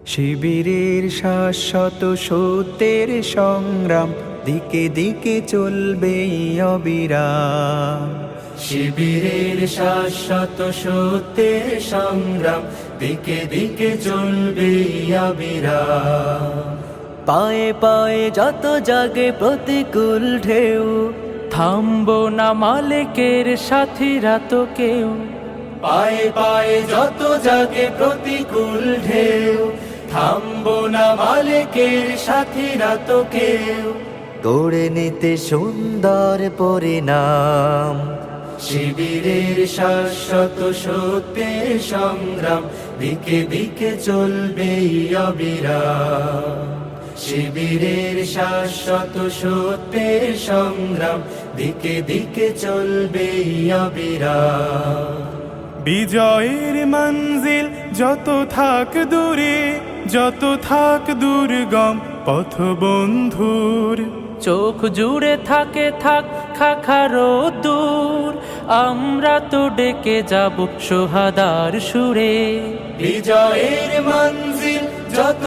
শিবিরের শাশ্বত সত্যের সংগ্রাম দিকে দিকে চলবে অবিরাম। শিবিরের শাশ্বত সত্যের সংগ্রাম দিকে দিকে চলবে অবিরাম। পায়ে পায়ে যত জাগে প্রতিকূল ঢেউ, থামবো না মালিকের সাথীরা তো কেউ। পায়ে পায়ে যত জাগে প্রতিকূল ঢেউ, থামবো না মালিকের সাথীরা তো কেউ। গড়ে নিতে সুন্দর পরিণাম। শিবিরের শাশ্বত সত্যের সংগ্রাম দিকে দিকে চলবে অবিরাম। শিবিরের শাশ্বত সত্যের সংগ্রাম দিকে দিকে চলবে অবিরাম। বিজয়ের মঞ্জিল যত থাক দূরে, যত থাক দুর্গম পথ বন্ধুর, চোখ জুড়ে থাকে থাক খাখারো দূর, আমরা তো ডেকে যাব সোহাদার সুরে। বিজয়ের মঞ্জিল যত